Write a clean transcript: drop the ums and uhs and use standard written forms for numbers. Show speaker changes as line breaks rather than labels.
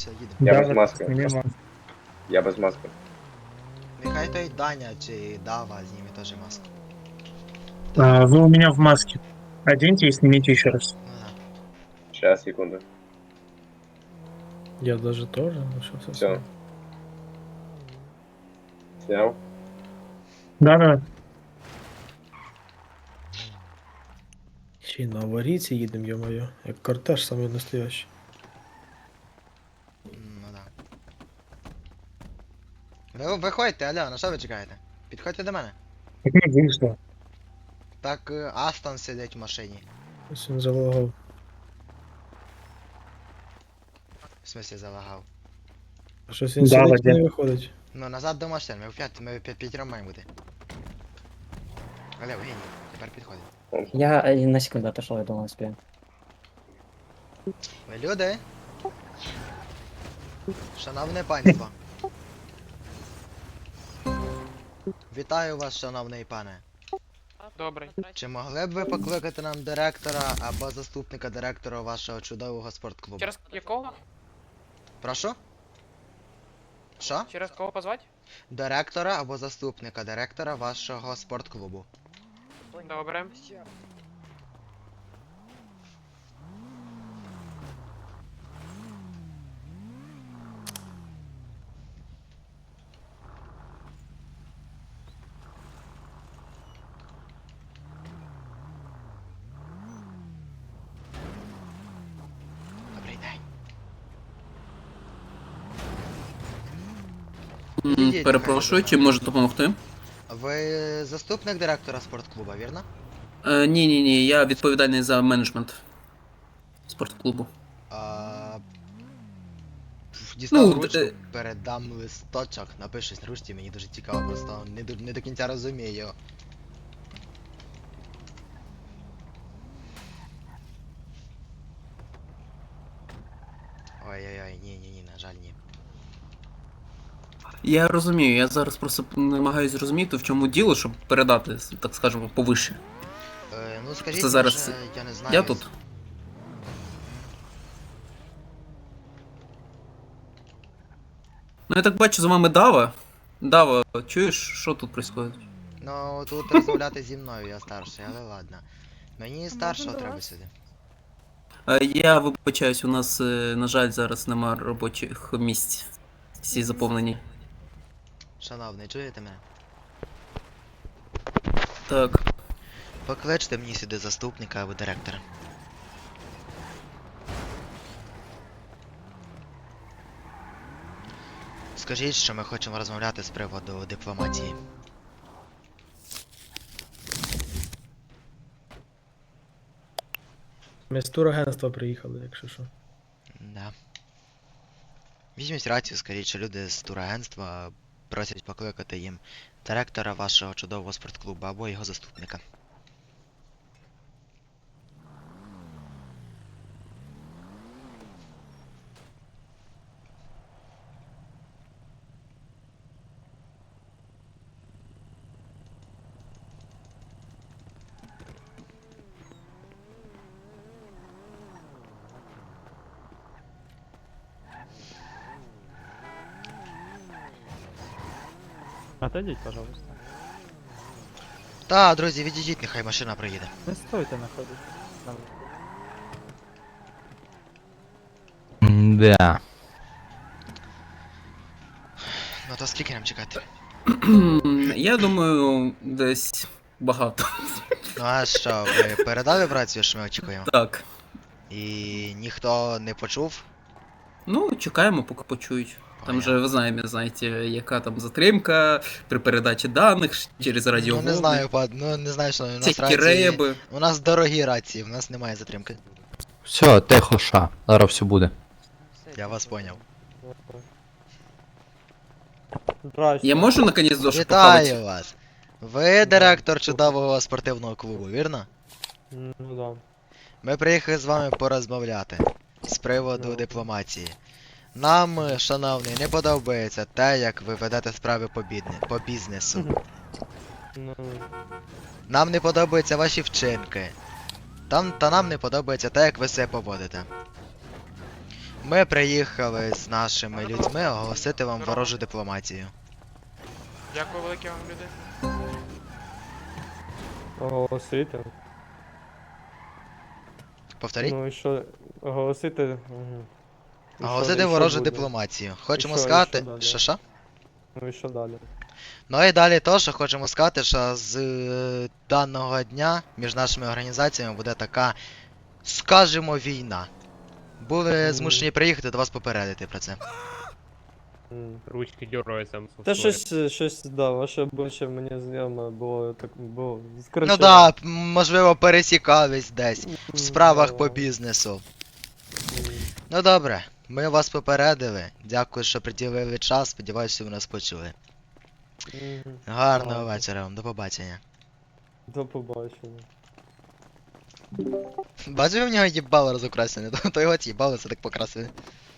все, їдемо.
Я
Да,
без маски.
нема.
Я без маски.
Нехай той Даня чи Дава зніме теж маску.
Вы у меня в маске. Оденьте и снимите еще раз.
Ну да.
Сейчас, секунду.
Я даже тоже, ну что
Все.
совсем.
Снял?
Да-да.
Ще й на аварійці їдемо, йо-моє. Як кортеж самий настоящий.
Ну да. Ви виходьте, алло, на що ви чекаєте? Підходьте до мене.
Так не вышло.
Так Астон сидить в машині.
Ось він залагав.
В смысле залагав.
А щось він
Да,
сидить і
Вадя.
не виходить.
Ну назад до машин, ми п'ятером маємо бути. Алло, геній, тепер підходить.
Я на секунду отошел, я думал, успею.
Ви люди? Шановне панство. Вітаю вас, шановний пане.
Добре.
Чи могли б ви покликати нам директора або заступника директора вашого чудового спортклубу?
Через якого?
Прошу? Що?
Через кого позвати?
Директора або заступника директора вашого спортклубу.
Добре.
Добрий день.
Перепрошую, чим можу допомогти?
Ви заступник директора спортклубу, вірно?
Ні, я відповідальний за менеджмент спортклубу.
Дістав
Ну,
ручку, передам листочок, напишись на ручці, мені дуже цікаво, просто не до кінця розумію. Ой-ой-ой, ні, на жаль, ні.
Я розумію, я зараз просто намагаюся зрозуміти, в чому діло, щоб передати, так скажемо, повище.
Ну скажіть,
Це зараз
може, я не знаю.
Я тут. Ну я так бачу, за вами Дава. Дава, чуєш, що тут відбувається?
Ну, тут розмовляти зі мною, я старший, але ладно. Мені старшого треба сюди.
Я вибачаюсь, у нас, на жаль, зараз нема робочих місць. Всі заповнені.
Шановний, чуєте мене?
Так.
Покличте мені сюди заступника або директора. Скажіть, що ми хочемо розмовляти з приводу дипломатії.
Ми з турагентства приїхали, якщо що.
Да. Візьміть рацію, скажіть, що люди з турагентства просять покликати їм директора вашого чудового спортклубу або його заступника.
Отойдите, пожалуйста.
Та, друзі, відійдіть, нехай машина приїде.
Не стойте находитесь.
Да.
Ну то скільки нам чекати?
Я думаю, десь багато.
Ну а що, ви передали рацію, що ми очікуємо?
Так.
І ніхто не почув?
Ну, чекаємо, поки почують. Там
Понятно.
же, ви знаєте, яка там затримка при передачі даних через
Ну
радіоволни.
не знаю, ну не знаю, що у нас
Всякі
рації...
реби.
У нас дорогі рації, у нас немає затримки.
Все, тихо, ша. Зараз все буде.
Я вас поняв.
Здрасте.
Я можу наконець дошу
Вітаю
похавати?
вас! Ви директор чудового спортивного клубу, вірно?
Ну да.
Ми приїхали з вами порозмовляти з приводу
Ну.
дипломатії. Нам, шановний, не подобається те, як ви ведете справи по бізнесу.
Ну,
Нам не подобаються ваші вчинки. Та нам не подобається те, як ви себе поводите. Ми приїхали з нашими людьми оголосити вам ворожу дипломатію.
Дякую велике вам, люди.
Оголосити.
Повторіть?
Ну і що? Оголосити. Угу.
Оголосити ворожу дипломатію. Хочемо
І що
сказати.
далі?
Що?
Ну і що далі?
Ну і далі то, що хочемо сказати, що з даного дня між нашими організаціями буде така, скажімо, війна. Були змушені приїхати до вас попередити про це.
Ручки дергаються.
Та щось, да, ваше обличчя мені знайоме було.
Ну да, можливо, пересікались десь в справах по бізнесу. Ну добре, ми вас попередили. Дякую, що приділили час. Сподіваюся, що ви нас почули. Гарного вечора вам, до побачення.
До побачення.
Бачив, в нього їбало розукрасене, то його їбало це так покрасили.